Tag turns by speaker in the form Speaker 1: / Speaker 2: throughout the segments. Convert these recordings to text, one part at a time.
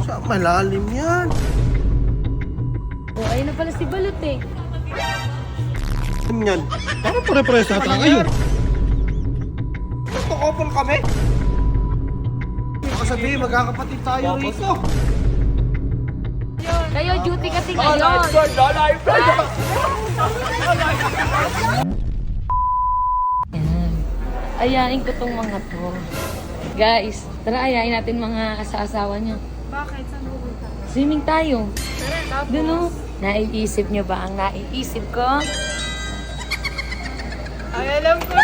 Speaker 1: Sa malalim yan.
Speaker 2: Oh, ayun na pala si Balot eh.
Speaker 1: Yan.
Speaker 3: Parang pare-pares ata kayo.
Speaker 1: Nagkakopol kami. Baka sabihin, magkakapatid tayo rito.
Speaker 2: Kayo, duty kasi ngayon. Yan. Ayain ko tong mga to. Guys, tara ayain natin mga asa-asawa niya.
Speaker 4: Bakit? Saan pupunta?
Speaker 2: Swimming tayo.
Speaker 4: Tara, tapos.
Speaker 2: Doon o. Naiisip niyo ba ang naiisip ko?
Speaker 4: Ay, alam ko na!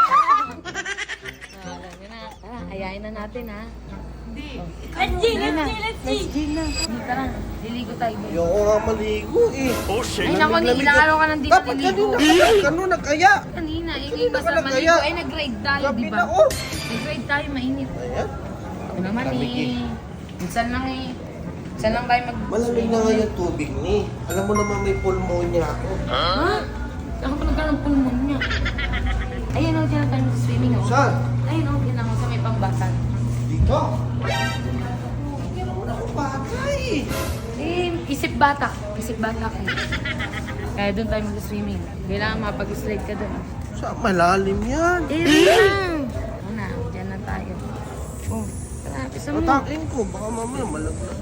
Speaker 2: Alam niyo na. Tara, ayain na natin ha.
Speaker 4: Hindi.
Speaker 2: Let's G! Let's G na. Tara, liligo tayo.
Speaker 1: Ayoko nga maligo eh.
Speaker 2: Ay naku, ilang araw ka nandito
Speaker 1: Dapat
Speaker 2: niligo.
Speaker 1: kanina kaya.
Speaker 2: Kanina,
Speaker 1: Kanina
Speaker 2: yung
Speaker 1: ka
Speaker 2: basta
Speaker 1: na
Speaker 2: maligo.
Speaker 1: kaya.
Speaker 2: Ay, nag-grade tayo,
Speaker 1: Gabi
Speaker 2: di
Speaker 1: na
Speaker 2: ba?
Speaker 1: oh.
Speaker 2: Nag-grade tayo, mainit.
Speaker 1: Ayan.
Speaker 2: Ako naman
Speaker 1: Lamig
Speaker 2: eh. Minsan lang eh. Minsan lang tayo mag...
Speaker 1: Malamig na nga yung tubig ni. Alam mo naman may pulmonya ako.
Speaker 2: Ha? Saan ka pa nagkaroon ng pulmon niya? Ayan o, dyan tayo sa swimming o.
Speaker 1: Saan?
Speaker 2: Ayun o, yan ako sa may pambatan.
Speaker 1: Dito. Hindi naman ako batay.
Speaker 2: Eh, isip bata. Isip bata ko. Kaya doon tayo mag-swimming. Kailangan mapag-slide ka doon.
Speaker 1: Sa malalim yan.
Speaker 2: Eh, lang! Una, dyan na tayo. Oh, tara, isa mo.
Speaker 1: Atakin ko. Baka mamaya malaglag.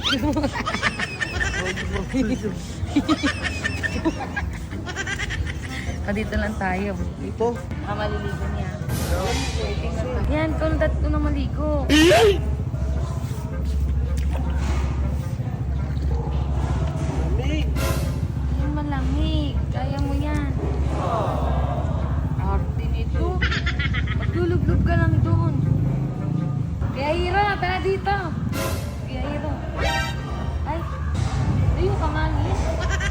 Speaker 2: Dito lang tayo.
Speaker 1: Dito.
Speaker 2: Maliligo niya. Yan, kauntat ko na maligo.
Speaker 1: Lamig.
Speaker 2: Yan, malamig. Kaya mo yan. Arte nito. Maglulublog ka lang doon. Kaya Hiro, tara dito. Kaya Hiro. Ay, tayo ka manis.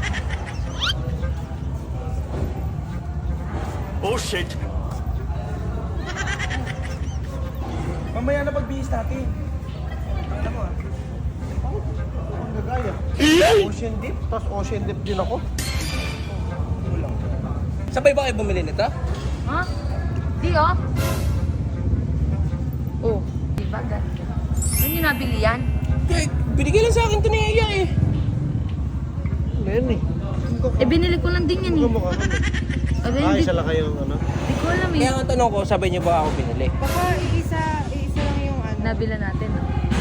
Speaker 3: Oh shit!
Speaker 1: Mamaya na pagbihis natin. Ano mo ah? Ang gagaya. Ocean dip. Tapos ocean dip din ako.
Speaker 5: Sabay ba kayo bumili nito?
Speaker 2: Ha? Di oh. Oh, di ba ganda? Saan yung nabili yan?
Speaker 5: Eh, binigay lang sa akin ito ni Aya eh.
Speaker 1: Ano yan eh?
Speaker 2: Eh, binili ko lang din yan eh.
Speaker 1: Kamukha kami.
Speaker 2: Abi,
Speaker 1: Ay,
Speaker 2: hindi
Speaker 1: isa lang kayong ano?
Speaker 2: di ko alam eh.
Speaker 5: Kaya ang tanong ko, sabay niyo ba ako binili?
Speaker 4: Baka isa lang yung ano.
Speaker 2: Nabila natin.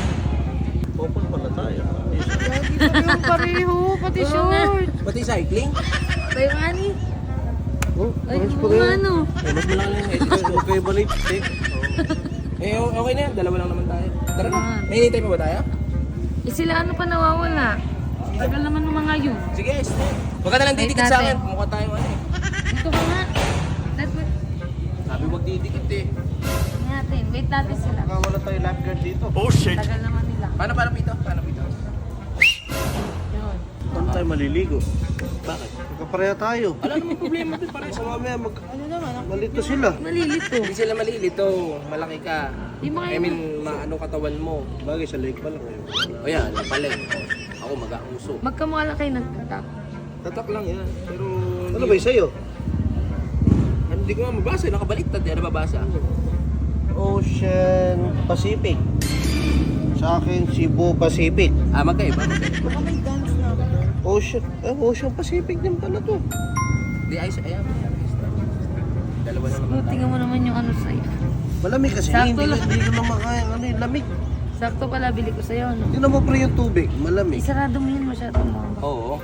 Speaker 1: Open pala tayo.
Speaker 4: Lagi pa yung pareho, pati short.
Speaker 5: Pati cycling?
Speaker 2: Tayo ani.
Speaker 1: Oh,
Speaker 2: Ay,
Speaker 1: ayos pa
Speaker 2: kung
Speaker 1: rin.
Speaker 2: ano.
Speaker 5: Eh, mas malaki lang eh.
Speaker 1: Okay ba rin?
Speaker 5: Eh, okay na yan. Dalawa lang naman tayo. Tara na.
Speaker 2: Ah.
Speaker 5: May hinihintay pa ba tayo?
Speaker 2: Eh, sila ano pa nawawala? Tagal naman ng mga yun.
Speaker 5: Sige, huwag ka na lang
Speaker 2: Wait
Speaker 5: didikit sa akin.
Speaker 2: natin.
Speaker 5: Mukha tayo ano eh.
Speaker 2: Dito ka nga.
Speaker 5: Sabi huwag didikit eh.
Speaker 2: Natin. Wait natin sila.
Speaker 1: Baka wala tayo lifeguard dito.
Speaker 3: Oh shit!
Speaker 2: Tagal naman nila.
Speaker 5: Paano pito? Paano pito?
Speaker 2: Yun.
Speaker 1: Saan tayo maliligo?
Speaker 5: Bakit?
Speaker 1: Magkapareha tayo.
Speaker 5: Wala namang problema dun. Pare
Speaker 1: Baka mamaya
Speaker 4: Ano naman?
Speaker 1: malito sila.
Speaker 2: Malilito.
Speaker 5: Hindi sila malilito. Malaki ka.
Speaker 2: Di mo
Speaker 5: I
Speaker 2: kayo.
Speaker 5: mean, maano katawan mo.
Speaker 1: Bagay sa lake pa lang kayo.
Speaker 5: O yan, pala. Ako mag-auso.
Speaker 2: Magkamukha lang kayo nagtatak.
Speaker 5: Tatak lang yan. Pero...
Speaker 1: Ano ba yung sa'yo?
Speaker 5: Hindi ko nga mabasa. Nakabaliktad. Yan nababasa.
Speaker 1: Ocean Pacific. Sa akin, Cebu Pacific.
Speaker 5: Ah, magkaiba.
Speaker 4: Baka may dance na.
Speaker 1: Ocean Pacific din pala to.
Speaker 5: Di ayos. Ayan. Dalawa na naman tayo.
Speaker 2: Tingnan mo naman yung ano sa'yo.
Speaker 1: Malamig kasi.
Speaker 2: Sakto
Speaker 1: Hindi
Speaker 2: lang.
Speaker 1: ko na makaya. Ano yung lamig.
Speaker 2: Sakto pala bili ko sa'yo. No?
Speaker 1: Tingnan mo pre yung tubig. Malamig.
Speaker 2: Isarado mo yun masyado mo.
Speaker 5: Oo.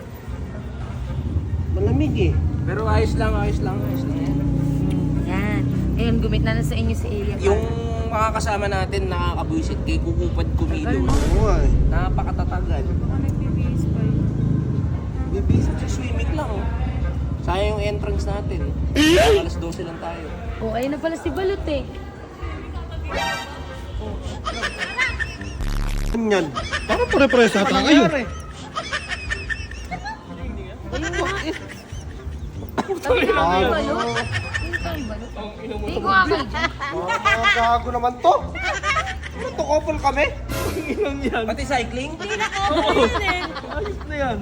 Speaker 1: Malamig eh.
Speaker 5: Pero ayos lang yan.
Speaker 2: Yan. Ngayon, gumit na sa inyo si Elia.
Speaker 5: Yung makakasama natin nakakabuisit kay kukupad kumilos.
Speaker 1: Oo nga eh.
Speaker 5: Napakatatagal.
Speaker 4: Baka nagbibihis pa yun.
Speaker 5: Bibisip sa swimming lang. Oh. Sayang yung entrance natin. Alas 12 lang tayo.
Speaker 2: Oh, ayun na pala si Balot eh.
Speaker 1: Yan.
Speaker 3: Parang pare-pares ata kayo.
Speaker 1: Nangyari.
Speaker 2: Ayun nga. Sabi ko kay Balot. Ayun kay Balot. Hindi ko nga kayo dyan.
Speaker 1: Mga gago naman to. Ano to, couple kami?
Speaker 5: Pati cycling?
Speaker 1: Ayos na yan.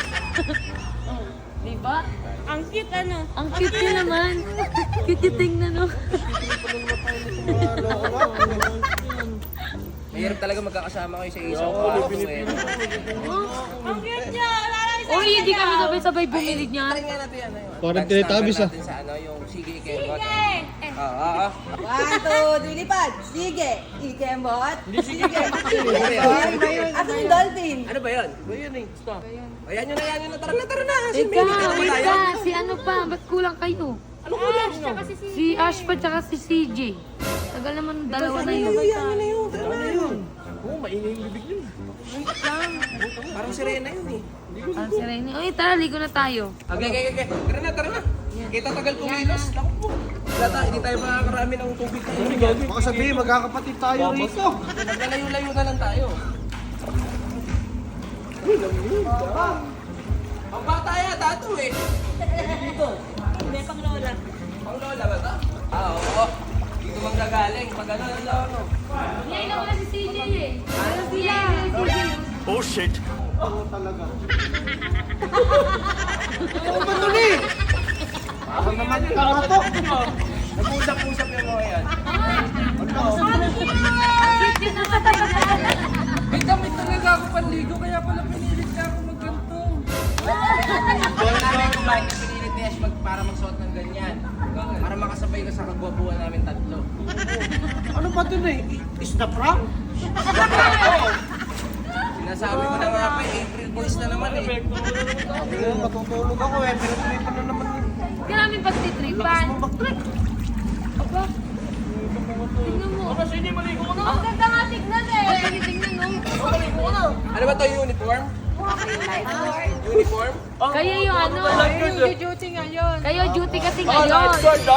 Speaker 2: Diba?
Speaker 4: Ang cute ano?
Speaker 2: Ang cute niya naman. Cute yung tingnan, no?
Speaker 5: Mahirap talaga magkakasama kayo sa isang kwarto eh.
Speaker 4: Ang cute niya! Wala na isa.
Speaker 2: Uy, hindi kami sabay-sabay bumili niya.
Speaker 5: Try nga natin yan.
Speaker 3: Parang Teletubbies, ah.
Speaker 5: natin sa ano, yung sige Kembot.
Speaker 4: Sige!
Speaker 5: Ah.
Speaker 6: 1, 2, 3, lipad. Sige. Ikembot. Sige.
Speaker 5: Ano
Speaker 6: Asan yung dolphin?
Speaker 5: Ano ba yun?
Speaker 1: Ba yun eh. Stop.
Speaker 5: Ayan nyo na. Tara na. Si
Speaker 2: Ika,
Speaker 5: Mimi, tara na tayo.
Speaker 2: Ika, si ano pa, ba't kulang kayo?
Speaker 5: Ano kulang nyo?
Speaker 2: Si Ash pa tsaka si CJ. Tagal naman dalawa na yun.
Speaker 5: Ayan na yun. Tara na yun.
Speaker 1: Oo, maingay yung bibig yun.
Speaker 5: Parang sirena yun eh.
Speaker 2: Ah, si Rene. Uy, tara, ligo na tayo.
Speaker 5: Okay. Tara na. Kita tagal kumilos. Naku po. Wala tayo, hindi tayo makakarami ng tubig.
Speaker 1: Baka sabihin, magkakapatid tayo rito.
Speaker 5: Naglalayo-layo na lang tayo. Ang bata yata ito eh.
Speaker 6: Hindi, pang lola.
Speaker 5: Pang lola ba ito? Oo. Dito manggagaling. Pag ano.
Speaker 2: Ngayon na wala si CJ eh. Ano sila? Si CJ.
Speaker 3: Oh shit.
Speaker 1: Oo talaga. Ano ba ito ni? Ako naman kamatok.
Speaker 5: Nag-usap-usap yung mga yan.
Speaker 2: Cute yun ang katagal.
Speaker 5: May damit talaga ako panligo, kaya pala pinilit ka ako magganto. Doon namin kumain na pinilit ni Ash para magsuot ng ganyan. Para makasabay ka sa kagwapuan namin tatlo.
Speaker 1: Ano ba ito eh? Is the prank?
Speaker 5: Sinasabi ko na nga pa, April Boys na naman eh.
Speaker 1: Tingnan, matutulog ako eh. Pinag-tripan na naman yun.
Speaker 2: Grabe pagtitripan. Aba. Tingnan mo. Ang ganda nga tignan eh. Tingnan mo.
Speaker 5: Ano ba ito, uniform? Uniform?
Speaker 2: Kayo yung ano.
Speaker 4: Yung duty ngayon.
Speaker 2: Kayo duty kasi ngayon.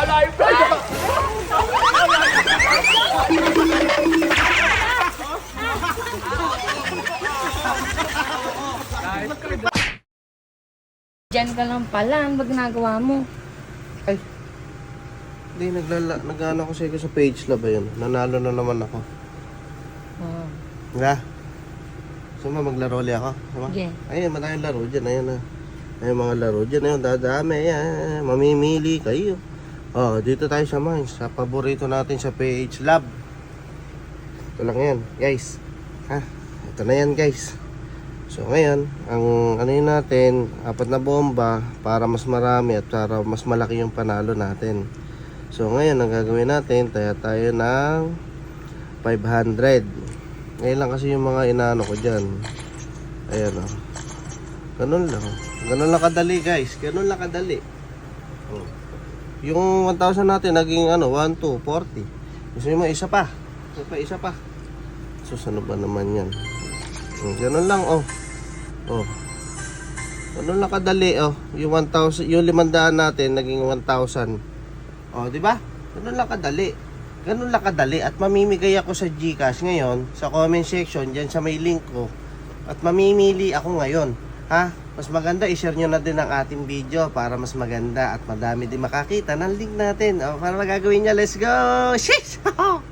Speaker 2: Diyan ka lang pala. Ano ba ginagawa mo?
Speaker 1: Ay. Hindi, nag-ano ko sa page lab yun. Nanalo na naman ako.
Speaker 2: Oh.
Speaker 1: Nga. Suma, maglaro ulit ako. Suma?
Speaker 2: Sige.
Speaker 1: Ayun, maraming laro dyan. Ayun na. Ayun, mga laro dyan. Ayun, dadami. Ayan, mamimili kayo. Oh, dito tayo sa mines. Sa paborito natin sa PH Lab. Ito lang yan, guys. Ha? Ito na yan, guys. So, ngayon, ang ano yun natin, 4 na bomba para mas marami at para mas malaki yung panalo natin. So, ngayon, ang gagawin natin, tayo ng 500. Ngayon lang kasi yung mga inaano ko dyan. Ayan o. Ganun lang. Ganun lang kadali, guys. Ganun lang kadali. Oh. Yung 1,000 natin, naging ano, 1, 2, 40. Gusto nyo mo, isa pa. Isa pa. So, ano ba naman yan? Ganun lang, oh. Oh. Ganun lang kadali, oh. Yung 1,000, yung 500 natin, naging 1,000. Oh, di ba? Ganun lang kadali. Ganun lang kadali. At mamimigay ako sa GCash ngayon, sa comment section, dyan sa may link ko. At mamimili ako ngayon. Ha? Mas maganda, i-share nyo na din ang ating video para mas maganda at madami din makakita ng link natin. O, para magagawin nyo, let's go! Sheesh!